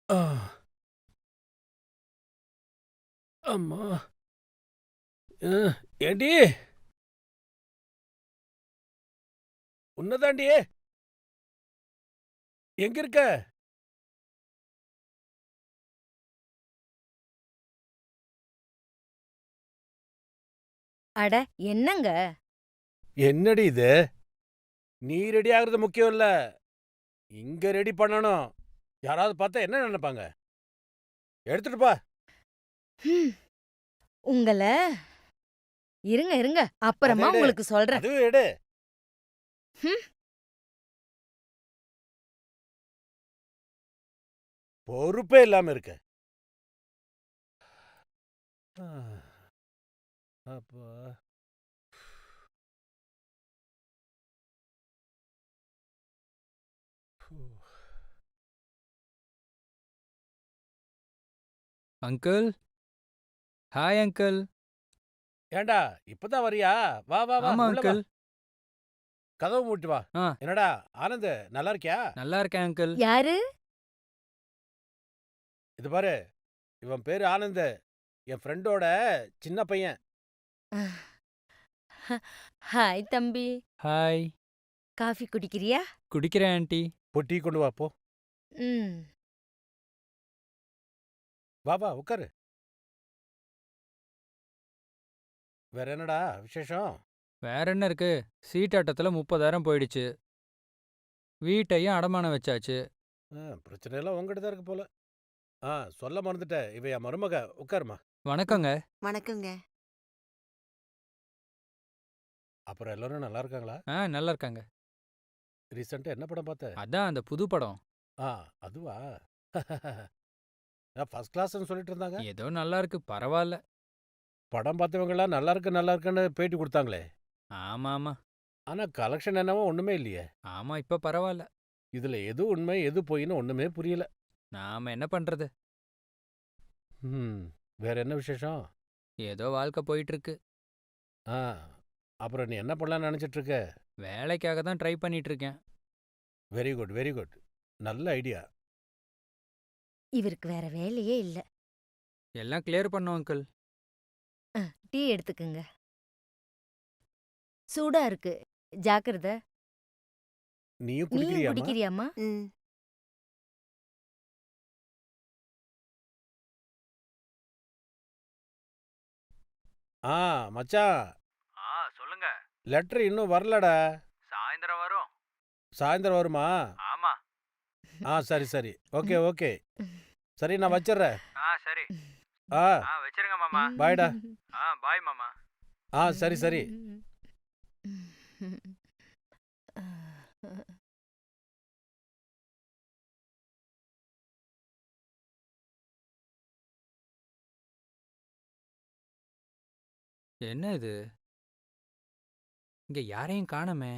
ஆ, அம்மா. அ, ஏண்டி உன்னதாண்டி எங்க இருக்க? அட என்னங்க? என்னடி இது? நீ ரெடி ஆகுறது முக்கியம் இல்ல. இங்க ரெடி பண்ணணும். யாராவது பார்த்தா என்ன நினைப்பாங்க? எடுத்துட்டு போ. ஹம், உங்கள இருங்க, இருங்க. அத அப்புறமா எடு. உங்களுக்கு சொல்றேன். அதுவும் எடு. ஹம், பொறுப்பே இல்லாம இருக்க. ஆ, அப்பா. ஃபு. Uncle hi uncle. ஏன்டா இப்பதான் வரியா? வா வா வா ஆமா உள்ள வா. அங்கிள். கதவு மூடிட்டு வா. ஆ என்னடா ஆனந்த் நல்லா இருக்கியா? நல்லா இருக்கேன் அங்கிள். யாரு? இது பாரு, இவன் பேரு ஆனந்த். என் ஃப்ரெண்டோட சின்ன பையன். ஹாய் தம்பி. ஹாய். காஃபி குடிக்கிறியா? குடிக்கிறேன் ஆண்டி. போய் டீ கொண்டு வா போ. ம். வா வா உட்காரு. வேற என்னடா விசேஷம்? வேற என்ன இருக்கு? சீட்டாட்டத்துல 30,000 போயிடுச்சு. வீட்டையும் அடமானம் வச்சாச்சு. பிரச்சனை எல்லாம் உங்ககிட்ட தான் இருக்கு போல. ஆ, சொல்ல மறந்துட்டேன். இவ என் மருமக. உட்காருமா. ம். வணக்கங்க. வணக்கங்க. அப்புறம் எல்லாரும் நல்லா இருக்காங்களா? நல்லா இருக்காங்க. ரீசெண்டா என்ன படம் பார்த்த? அதான் அந்த புது படம். ஆ, அதுவா? ஃபர்ஸ்ட் கிளாஸ்ன்னு சொல்லிட்டு இருந்தாங்க. ஏதோ நல்லா இருக்கு, பரவாயில்ல. படம் பார்த்தவங்கலாம் நல்லா இருக்குன்னு பேட்டி குடுத்தாங்களே. ஆமா ஆமா. ஆனா கலெக்ஷன் என்னவோ ஒண்ணுமே இல்லையே. ஆமா இப்ப பரவாயில்ல. இதுல எது உண்மை, எது பொய்ன்னு ஒண்ணுமே புரியல. நாம என்ன பண்றது? ம். வேற என்ன விசேஷம்? ஏதோ வாழ்க்கை போயிட்டு இருக்கு. ஆ, அப்புறம் நீ என்ன பண்ணலாம்னு நினைச்சிட்டு இருக்க? வேலைக்காக தான் ட்ரை பண்ணிட்டு இருக்கேன். Very good, very good. நல்ல ஐடியா. இவருக்கு வேற வேலையே இல்ல. எல்லாம் கிளியர் பண்ணோம் அங்கிள். டீ எடுத்துக்கங்க. சூடா இருக்கு. ஜாக்கிரத. நீயும் நீயும் குடிக்கிறியாம்மா? குடிக்கிறியாம்மா? ம். ஆ, மச்சான். சொல்லுங்க. லெட்டர் இன்னும் வரலடா. சாயந்தரம் வரும். சாயந்தரம் வருமா? ஆமா. சரி, சரி. Okay, okay. சரி நான் வச்சிடுறேன். சரி. ஆ, வச்சிருங்க மாமா. பாய்டா. பாய் மாமா. சரி, சரி. என்ன இது? இங்க யாரையும் காணோமே.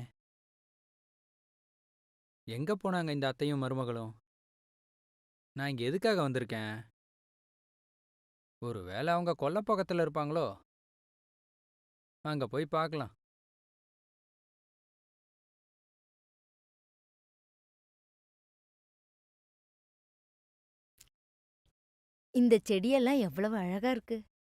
எங்க போனாங்க இந்த அத்தையும் மருமகளும்? நான் இங்க எதுக்காக வந்திருக்கேன்? ஒருவேளை அவங்க கொல்லைப்பக்கத்துல இருப்பாங்களோ? அங்க போய் பார்க்கலாம். இந்த செடியெல்லாம் எவ்வளவு அழகா இருக்கு.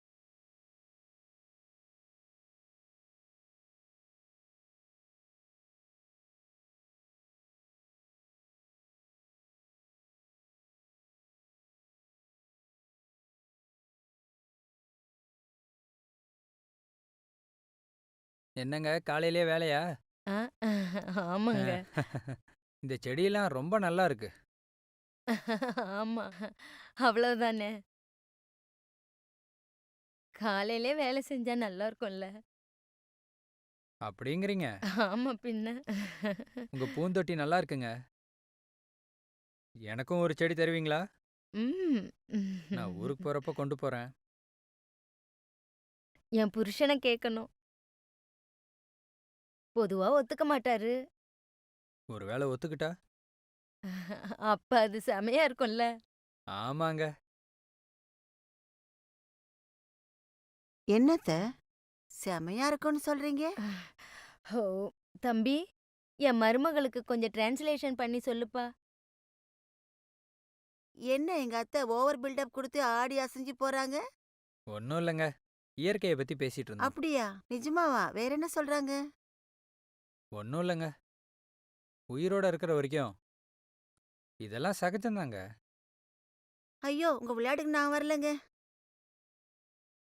என்னங்க காலையிலேயே வேலையா? ஆ, ஆமாங்க. அஹ், இந்த செடியெல்லாம் ரொம்ப நல்லா இருக்கு. ஆமா. அவ்வளவுதானே. காலையிலே வேலை செஞ்சா நல்லா இருக்கும்ல. அப்படிங்கிறீங்க? ஆமா பின்ன. உங்க பூந்தொட்டி நல்லா இருக்குங்க. எனக்கும் ஒரு செடி தருவீங்களா? ம். நான் ஊருக்கு போறப்ப கொண்டு போறேன். என் புருஷன கேட்கணும். பொதுவா ஒத்துக்க மாட்டாரு. ஒருவேளை ஒத்துக்கிட்டா? அப்ப அது செமையா இருக்கும்ல. ஆமாங்க. என்னத்த? செமையா இருக்குன்னு சொல்றீங்க? ஓ! தம்பி, என் மருமகளுக்கு கொஞ்சம் டிரான்ஸ்லேஷன் பண்ணி சொல்லுப்பா. என்ன எங்க அத்தை ஓவர் பில்டப் கொடுத்து ஆடி அசைஞ்சு போறாங்க? ஒன்றும் இல்லைங்க, இயற்கையை பற்றி பேசிட்டு இருந்தோம். அப்படியா? நிஜமாவா? வேற என்ன சொல்றாங்க? ஒன்றும் இல்லைங்க, உயிரோட இருக்கிற வரைக்கும் இதெல்லாம் சகஜம்தாங்க. ஐயோ, உங்க விளையாட்டுக்கு நான் வரலங்க.